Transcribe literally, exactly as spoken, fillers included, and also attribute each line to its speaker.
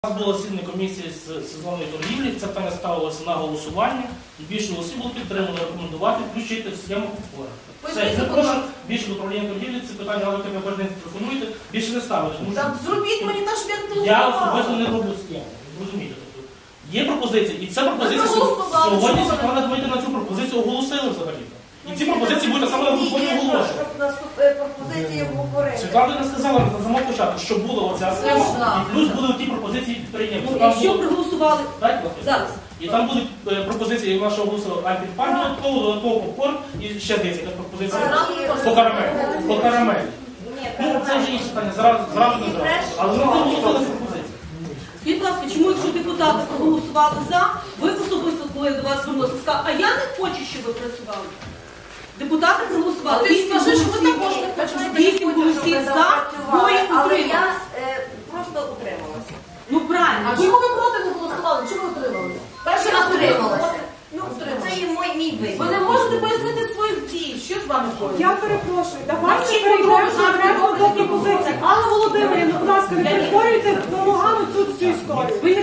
Speaker 1: У нас була засідання комісії з сезонної торгівлі, це питання ставилося на голосування, і більше голосів було підтримано рекомендувати включити в схему опори. Все, я прошу більше до управління торгівлі, це питання, але ви кожен день телефонуєте, більше не ставити.
Speaker 2: Так зробіть мені так, щоб я не
Speaker 1: Я особисто не роблю схему, зрозумієте. Є пропозиції, і ця пропозиція сьогодні Світлана Дмитрівна на цю пропозицію оголосили взагалі. І ці пропозиції будуть саме на виконанні оголошення.
Speaker 2: Пропозиції обговорити.
Speaker 1: Світлана не сказала на самому початку, що була оця схема, і плюс були ті пропозиції підприємців.
Speaker 3: Якщо проголосували
Speaker 1: зараз. І там були е, пропозиції, як нашого голосу Альфін-Пан додатково, додатково попкорн і ще десь якась пропозиція по карамелі. По карамелі. Ну, це вже інше питання, зразу, зразу не зразу. Але ми оголосили ці пропозиції.
Speaker 3: Скажіть, будь ласка, чому, якщо депутати проголосували за, ви особисто, коли до вас звернулися, сказали, а я не хочу, щоб ви працювали. Депутати проголосували.
Speaker 2: А ти скажи, що ви також не хочете.
Speaker 3: Вісім голосів за, двоє
Speaker 2: Але
Speaker 3: утримали.
Speaker 2: я е, просто утрималася.
Speaker 3: Ну правильно.
Speaker 4: А чому ви проти не голосували? Чому ви утрималися?
Speaker 2: Перший раз утрималася. Ну, це є мій, мій вибір.
Speaker 4: Ви не можете пояснити своїх дій. Що з вами ходить?
Speaker 5: Я перепрошую, давайте перейдемо до пропозиції. Алла Володимирівна, будь ласка, не перетворюйте на Лугану цю всю історію. Ви